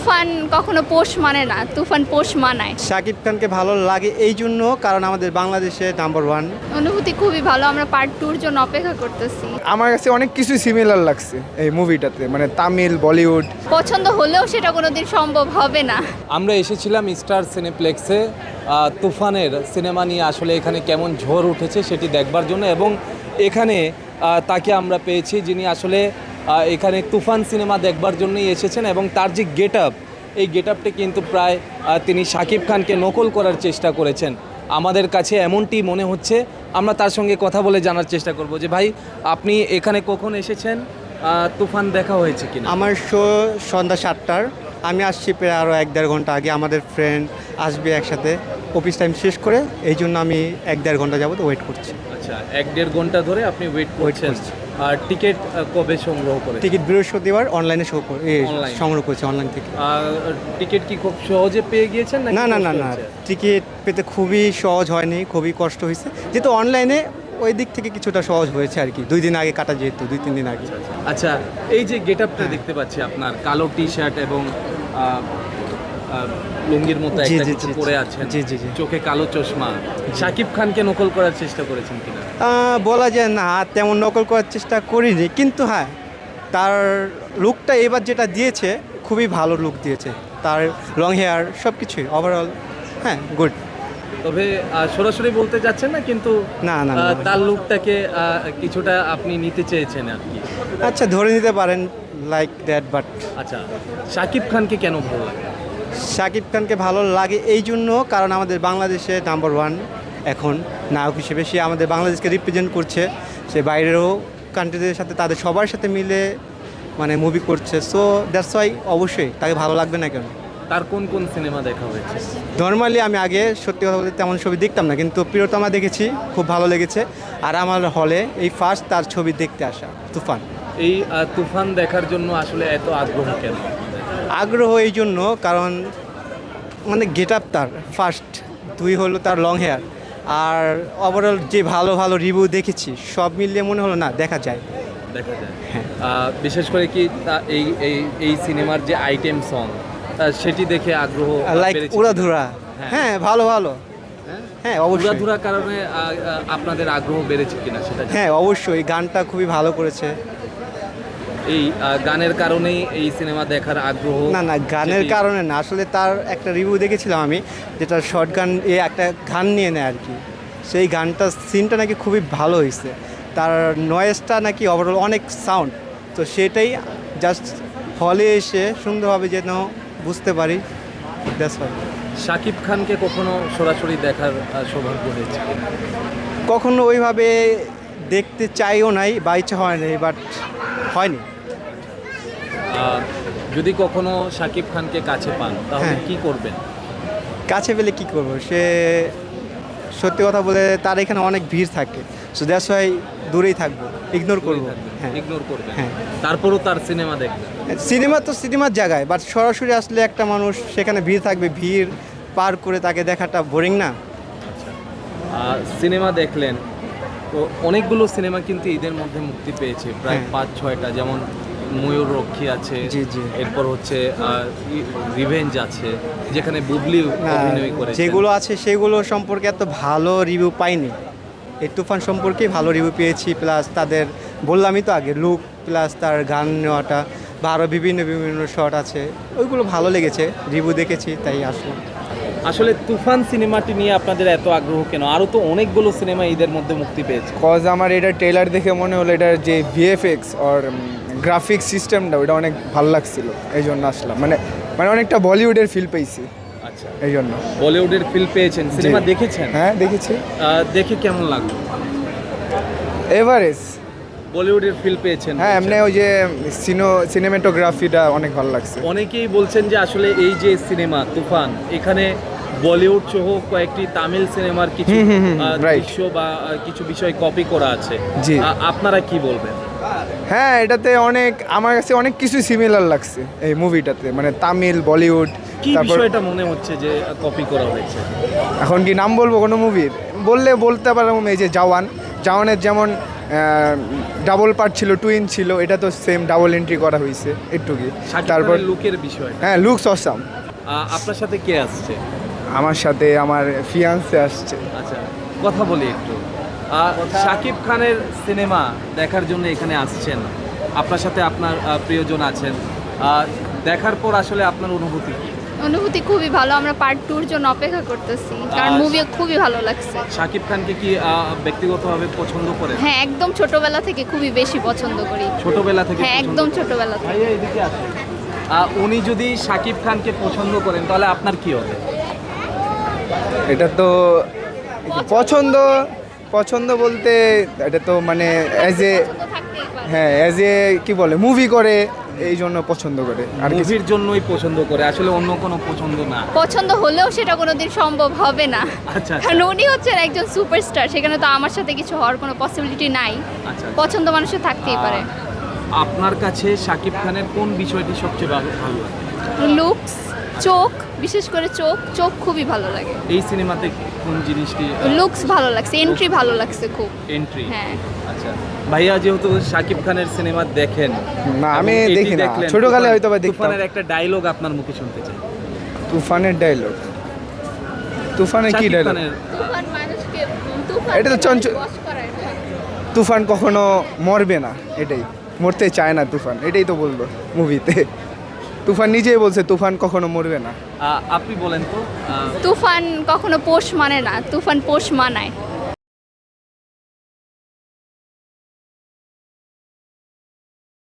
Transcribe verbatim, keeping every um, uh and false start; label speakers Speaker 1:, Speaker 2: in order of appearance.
Speaker 1: তুফান কখনো পোষ মানে না, তুফান পোষ মানায়।
Speaker 2: শাকিব খানকে ভালো লাগে এই জন্য কারণ আমাদের বাংলাদেশে নাম্বার ওয়ান।
Speaker 1: অনুভূতি খুবই ভালো, আমরা পার্ট টুর জন্য অপেক্ষা করতেছি।
Speaker 3: আমার কাছে অনেক কিছু সিমিলার লাগছে এই মুভিটাতে, মানে তামিল, বলিউড।
Speaker 1: পছন্দ হলেও সেটা কোনোদিন সম্ভব হবে না।
Speaker 4: আমরা এসেছিলাম স্টার সিনেপ্লেক্সে আহ, তুফানের সিনেমা নিয়ে আসলে এখানে কেমন ঝড় উঠেছে সেটি দেখবার জন্য, এবং এখানে আহ, তাকে আমরা পেয়েছি যিনি আসলে আহ, এখানে তুফান সিনেমা দেখবার জন্যই এসেছেন, এবং তার যে গেট আপ, এই গেট আপটি কিন্তু প্রায় আহ, তিনি শাকিব খানকে নকল করার চেষ্টা করেছেন। আমাদের কাছে এমনটি মনে হচ্ছে। আমরা তার সঙ্গে কথা বলে জানার চেষ্টা করব যে ভাই, আপনি এখানে কখন এসেছেন, আহ, তুফান দেখা হয়েছে কিনা?
Speaker 2: আমার শো সন্ধ্যা সাতটার, আমি আসছি প্রায় আরও এক দেড় ঘন্টা আগে। আমাদের ফ্রেন্ড আসবে একসাথে অফিস টাইম শেষ করে, এই জন্য আমি এক দেড় ঘন্টা যাবত ওয়েট করছি।
Speaker 4: আচ্ছা, এক দেড় ঘন্টা ধরে আপনি ওয়েট করছেন।
Speaker 2: করছি।
Speaker 4: আর টিকিট কবে সংগ্রহ করে?
Speaker 2: টিকিট বৃহস্পতিবার অনলাইনে শো করে
Speaker 4: Online?
Speaker 2: সংগ্রহ করছি অনলাইন থেকে।
Speaker 4: টিকিট কি খুব সহজে পেয়ে গিয়েছেন নাকি
Speaker 2: না না না
Speaker 4: কষ্ট
Speaker 2: না
Speaker 4: হচ্ছে?
Speaker 2: টিকিট পেতে খুবই সহজ হয়নি, খুবই কষ্ট হয়েছে, যেহেতু অনলাইনে ওই দিক থেকে কিছুটা সহজ হয়েছে আর কি। দুই দিন আগে কাটা, যেহেতু দুই তিন দিন আগে।
Speaker 4: আচ্ছা, এই যে গেট আপটা দেখতে পাচ্ছি আপনার, কালো টি শার্ট এবং আহ, আহ, লুঙ্গির মতো
Speaker 2: জি,
Speaker 4: একটা
Speaker 2: জি,
Speaker 4: কিছু
Speaker 2: জি,
Speaker 4: পরে
Speaker 2: জি।
Speaker 4: আছেন,
Speaker 2: জি, জি, জি।
Speaker 4: চোখে কালো চশমা, শাকিব খানকে নকল করার চেষ্টা করেছেন কিনা?
Speaker 2: আহ, বলা যায় না তেমন নকল করার চেষ্টা করিনি, কিন্তু হ্যাঁ তার লুকটা এবার যেটা দিয়েছে খুবই ভালো লুক দিয়েছে। তার লং হেয়ার সব কিছুই ওভারঅল হ্যাঁ গুড।
Speaker 4: তবে আহ, সরাসরি বলতে যাচ্ছেন না, কিন্তু
Speaker 2: না, না,
Speaker 4: আহ,
Speaker 2: না।
Speaker 4: তার লুকটাকে আহ, কিছুটা আপনি নিতে চেয়েছেন আর কি।
Speaker 2: আচ্ছা, ধরে নিতে পারেন লাইক দ্যাট। বাট
Speaker 4: আচ্ছা, শাকিব খানকে কেন ভালো লাগে?
Speaker 2: শাকিব খানকে ভালো লাগে এই জন্য কারণ আমাদের বাংলাদেশে নাম্বার ওয়ান এখন নায়ক হিসেবে। সে আমাদের বাংলাদেশকে রিপ্রেজেন্ট করছে, সে বাইরেরও কান্ট্রিদের সাথে তাদের সবার সাথে মিলে মানে মুভি করছে। সো দ্যাটস ওয়াই অবশ্যই তাকে ভালো লাগবে না কেন।
Speaker 4: তার কোন কোন সিনেমা দেখা হয়েছে?
Speaker 2: নর্মালি আমি আগে সত্যি কথা বলতে তেমন ছবি দেখতাম না, কিন্তু প্রিয়তমা দেখেছি, খুব ভালো লেগেছে। আর আমার হলে এই ফার্স্ট তার ছবি দেখতে আসা তুফান।
Speaker 4: এই আহ, তুফান দেখার জন্য আসলে এত আগ্রহ কেন?
Speaker 2: আগ্রহ এই জন্য কারণ মানে গেট আপ তার ফার্স্ট, দুই হলো তার লং হেয়ার, আর ওভারঅল যে ভালো ভালো রিভিউ দেখেছি সব মিলিয়ে মনে হলো না দেখা যায়।
Speaker 4: দেখা যায়
Speaker 2: হ্যাঁ।
Speaker 4: আহ, বিশেষ করে কি তা- এই এই এই সিনেমার যে আইটেম সং, সেটি দেখে আগ্রহ
Speaker 2: লাইক
Speaker 4: বেড়েছে
Speaker 2: উড়াধুরা,
Speaker 4: হ্যাঁ।
Speaker 2: হ্যাঁ ভালো ভালো,
Speaker 4: হ্যাঁ?
Speaker 2: হ্যাঁ অবশ্যই,
Speaker 4: উড়াধুরা কারণে আহ, আহ, আপনাদের আগ্রহ বেড়েছে কিনা সেটা জানি।
Speaker 2: হ্যাঁ অবশ্যই গানটা খুবই ভালো করেছে।
Speaker 4: এই আহ, গানের কারণেই এই সিনেমা দেখার আগ্রহ?
Speaker 2: না না গানের
Speaker 4: সেটি-
Speaker 2: কারণে না, আসলে তার একটা রিভিউ দেখেছিলাম আমি, যেটা শর্ট গান এ একটা গান নিয়ে নেয় আর কি। সেই গানটা সিনটা নাকি খুবই ভালো হয়েছে, তার নয়েজটা নাকি ওভারঅল অনেক সাউন্ড, তো সেটাই জাস্ট হলে এসে সুন্দরভাবে যেন বুঝতে পারি। That's why.
Speaker 4: শাকিব খানকে কখনো সরাসরি দেখার আহ, সৌভাগ্য হয়েছে কিনা?
Speaker 2: কখনো ওইভাবে দেখতে চাইও নাই বা ইচ্ছা হয় নাই, বাট হয়নি।
Speaker 4: আহ, যদি কখনো শাকিব খানকে কাছে পান তাহলে
Speaker 2: হ্যাঁ।
Speaker 4: কি করবেন?
Speaker 2: কাছে পেলে কি করব, সে সত্যি কথা বলে তার এখানে অনেক ভিড় থাকে, সো দ্যাটস ওয়াই দূরেই থাকবো, ইগনোর করবো। হ্যাঁ
Speaker 4: ইগনোর করবেন,
Speaker 2: হ্যাঁ।
Speaker 4: তারপরও তার সিনেমা দেখবেন।
Speaker 2: সিনেমা তো সিনেমার জায়গায়, বাট সরাসরি আসলে একটা মানুষ সেখানে ভিড় থাকবে, ভিড় পার করে তাকে দেখাটা বোরিং না?
Speaker 4: আহ, সিনেমা দেখলেন তো, অনেকগুলো সিনেমা কিন্তু ঈদের মধ্যে মুক্তি পেয়েছে, প্রায়
Speaker 2: হ্যাঁ।
Speaker 4: পাঁচ ছয়টা, যেমন ময়ূর রক্ষী আছে,
Speaker 2: জি, জি।
Speaker 4: এরপর হচ্ছে রিভেঞ্জ আছে, যেখানে বুবলি অভিনয় করেছে।
Speaker 2: যেগুলো আছে সেগুলো সম্পর্কে এত ভালো রিভিউ পাইনি। এই তুফান সম্পর্কে ভালো রিভিউ পেয়েছি, প্লাস তাদের বললামই তো আগে লুক, প্লাস তার গান নেওয়াটা বা আরও বিভিন্ন বিভিন্ন শট আছে, ওইগুলো ভালো লেগেছে, রিভিউ দেখেছি তাই আসলাম।
Speaker 4: আসলে তুফান সিনেমাটি নিয়ে আপনাদের এত আগ্রহ কেন? আরও তো অনেকগুলো সিনেমা ঈদের মধ্যে মুক্তি পেয়েছে।
Speaker 3: কজ আমার এটা ট্রেলার দেখে মনে হলো এটার যে ভিএফএক্স আর গ্রাফিক সিস্টেমটা ওটা অনেক ভালো লাগছিল, এই জন্য আসলাম। মানে মানে অনেকটা বলিউডের ফিল পেয়েছি,
Speaker 4: আচ্ছা,
Speaker 3: এই জন্য।
Speaker 4: বলিউডের ফিল পেয়েছেন, সিনেমা দেখেছেন?
Speaker 3: হ্যাঁ দেখেছি।
Speaker 4: আহ, দেখে কেমন লাগলো?
Speaker 3: এভারেজ।
Speaker 4: বলিউডের ফিল পেয়েছেন?
Speaker 3: হ্যাঁ,
Speaker 4: বলছেন।
Speaker 3: এমনি ওই যে সিনো সিনেমেটোগ্রাফিটা অনেক ভালো লাগছে।
Speaker 4: অনেকেই বলছেন যে আসলে এই যে সিনেমা তুফান, এখানে বলিউড সহ কয়েকটি তামিল সিনেমার কিছু
Speaker 3: হুম, হুম, হুম,
Speaker 4: আহ,
Speaker 3: right.
Speaker 4: দৃশ্য বা আহ, কিছু বিষয় কপি করা আছে।
Speaker 3: জি।
Speaker 4: আ- আপনারা কি বলবেন?
Speaker 3: হ্যাঁ, এটাতে অনেক আমার কাছে অনেক কিছু সিমিলার লাগছে এই মুভিটাতে, মানে তামিল, বলিউড।
Speaker 4: কি
Speaker 3: তারপর
Speaker 4: বিষয়টা মনে হচ্ছে যে কপি করা হয়েছে?
Speaker 3: এখন কি নাম বলবো কোনো মুভির? বললে বলতে পারলাম, এই যে জওয়ান, জওয়ানের যেমন ডাবল পার্ট ছিল, টুইন ছিল, এটা তো সেম ডাবল এন্ট্রি করা হয়েছে একটু কি।
Speaker 4: শাকিব
Speaker 3: তারপর
Speaker 4: খানের লুকের বিষয়
Speaker 3: হ্যাঁ, লুকস অসাম।
Speaker 4: আপনার সাথে কে আসছে?
Speaker 3: আমার সাথে আমার ফিয়ান্সে আসছে।
Speaker 4: আচ্ছা, কথা বলি একটু। আহ, শাকিব খানের সিনেমা দেখার জন্য এখানে আসছেন, আপনার সাথে আপনার আহ, প্রিয়জন আছেন। আহ, দেখার পর আসলে আপনার অনুভূতি কি?
Speaker 1: অনুভূতি খুবই ভালো, আমরা পার্ট টুর জন্য অপেক্ষা করতেছি, কারণ
Speaker 4: আহ,
Speaker 1: মুভি খুবই ভালো লাগছে।
Speaker 4: শাকিব খানকে কি আহ, ব্যক্তিগতভাবে পছন্দ করেন?
Speaker 1: হ্যাঁ, একদম ছোটবেলা থেকে খুবই বেশি পছন্দ করি।
Speaker 4: ছোটবেলা থেকে
Speaker 1: হ্যাঁ,
Speaker 4: পছন্দ
Speaker 1: একদম
Speaker 4: করেন?
Speaker 1: ছোটবেলা থেকে।
Speaker 4: ভাইয়া এদিকে আসেন। আহ, উনি যদি শাকিব খানকে পছন্দ করেন তাহলে আপনার কি হবে?
Speaker 3: এটা তো পছন্দ পছন্দ বলতে এটা তো মানে অ্যাজ এ
Speaker 1: পছন্দ থাকতেই পারে।
Speaker 3: হ্যাঁ অ্যাজ এ কি বলে মুভি করে এই জন্য পছন্দ করে আর কিছু।
Speaker 4: মুভির জন্যই পছন্দ করে, আসলে অন্য কোনো পছন্দ না।
Speaker 1: পছন্দ হলেও সেটা কোনোদিন সম্ভব হবে না,
Speaker 4: আচ্ছা,
Speaker 1: কারণ উনি হচ্ছেন একজন সুপারস্টার, সেখানে তো আমার সাথে কিছু হওয়ার কোনো পসিবিলিটি নাই।
Speaker 4: আচ্ছা,
Speaker 1: পছন্দ মানুষের থাকতেই পারে।
Speaker 4: আহ, আপনার কাছে শাকিব খানের কোন বিষয়টি সবচেয়ে ভালো ভালো লাগে?
Speaker 1: লুকস, চোখ, বিশেষ করে চোখ চোখ খুবই ভালো লাগে।
Speaker 4: এই সিনেমাতে কোন জিনিসটি?
Speaker 1: লুকস ভালো লাগছে, এন্ট্রি ভালো লাগছে খুব।
Speaker 4: এন্ট্রি।
Speaker 1: হ্যাঁ।
Speaker 4: আচ্ছা ভাইয়া, যেহেতু শাকিব খানের সিনেমা দেখেন,
Speaker 3: না, আমি
Speaker 4: এবং এটি
Speaker 3: দেখি না।
Speaker 4: দেখলেন,
Speaker 3: ছোটকালে
Speaker 4: তুফান-
Speaker 3: হয়তো বা দেখতাম।
Speaker 4: তুফানের একটা ডায়লগ আপনার মুখে শুনতে চাই।
Speaker 3: তুফানের ডায়লগ? তুফানে কি
Speaker 4: শাকিব
Speaker 3: ডায়লগ?
Speaker 4: খানের
Speaker 1: তুফান মানুষকে তুফান
Speaker 3: এটা তো চঞ্চল-
Speaker 1: বশ করায় না।
Speaker 3: তুফান কখনো মরবে না, এটাই মরতে চায় না তুফান, এটাই তো বললো মুভিতে। তুফান নিজেই বলছে তুফান কখনো মরবে না।
Speaker 4: আহ, আপনি বলেন তো। আহ,
Speaker 1: তুফান কখনো পোষ মানে না, তুফান পোষ মানায়।